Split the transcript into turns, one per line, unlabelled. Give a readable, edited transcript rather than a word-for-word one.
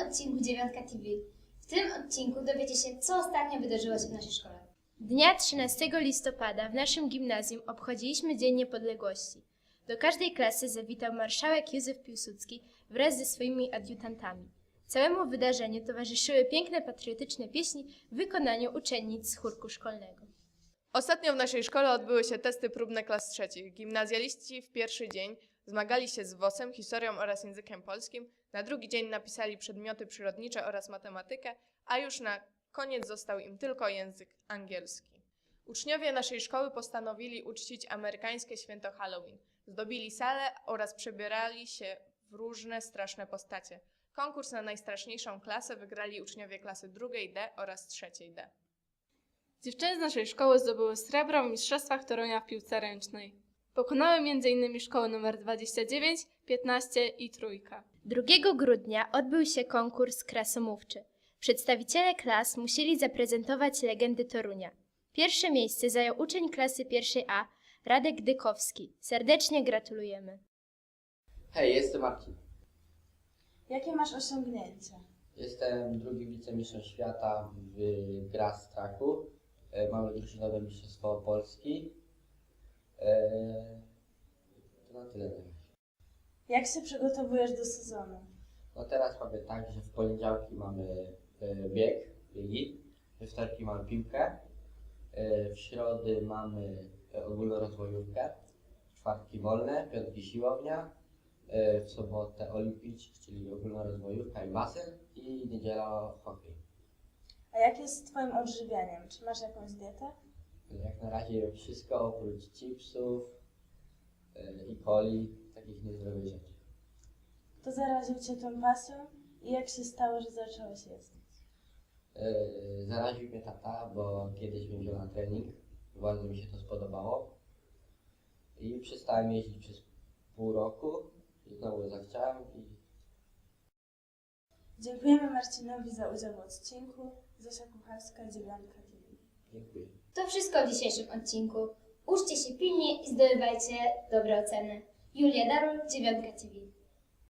odcinku Dziewiątka TV. W tym odcinku dowiecie się, co ostatnio wydarzyło się w naszej szkole.
Dnia 13 listopada w naszym gimnazjum obchodziliśmy Dzień Niepodległości. Do każdej klasy zawitał marszałek Józef Piłsudski wraz ze swoimi adiutantami. Całemu wydarzeniu towarzyszyły piękne patriotyczne pieśni w wykonaniu uczennic z chórku szkolnego.
Ostatnio w naszej szkole odbyły się testy próbne klas trzecich. Gimnazjaliści w pierwszy dzień zmagali się z WOS-em, historią oraz językiem polskim. Na drugi dzień napisali przedmioty przyrodnicze oraz matematykę, a już na koniec został im tylko język angielski. Uczniowie naszej szkoły postanowili uczcić amerykańskie święto Halloween. Zdobili salę oraz przebierali się w różne straszne postacie. Konkurs na najstraszniejszą klasę wygrali uczniowie klasy drugiej D oraz trzeciej D.
Dziewczyny z naszej szkoły zdobyły srebro w mistrzostwach Torunia w piłce ręcznej. Pokonały m.in. szkoły nr 29, 15 i Trójka.
2 grudnia odbył się konkurs krasomówczy. Przedstawiciele klas musieli zaprezentować legendy Torunia. Pierwsze miejsce zajął uczeń klasy 1A, Radek Dykowski. Serdecznie gratulujemy.
Hej, jestem Marcin.
Jakie masz osiągnięcia?
Jestem drugim wicemistrzem świata w grach z traku. Mamy drużynowe mistrzostwo Polski. To na tyle.
Jak się przygotowujesz do sezonu?
No teraz mamy tak, że w poniedziałki mamy biegi, we wtorki mamy piłkę, w środy mamy ogólnorozwojówkę, w czwartki wolne, piątki siłownia, w sobotę olimpijczyk, czyli ogólnorozwojówka i basen i niedziela hokej.
A jak jest z twoim odżywianiem? Czy masz jakąś dietę?
Jak na razie wszystko oprócz chipsów i coli, takich niezdrowych rzeczy.
Kto zaraził cię tą pasją i jak się stało, że zacząłeś jeść?
Zaraził mnie tata, bo kiedyś mnie wziął na trening, bardzo mi się to spodobało i przestałem jeździć przez pół roku i znowu zachciałem i
Dziękujemy Marcinowi za udział w odcinku. Zosia Kucharska, Dziewiątka TV.
dziękuję.
To wszystko w dzisiejszym odcinku. Uczcie się pilnie i zdobywajcie dobre oceny. Julia Darul, Dziewiątka TV.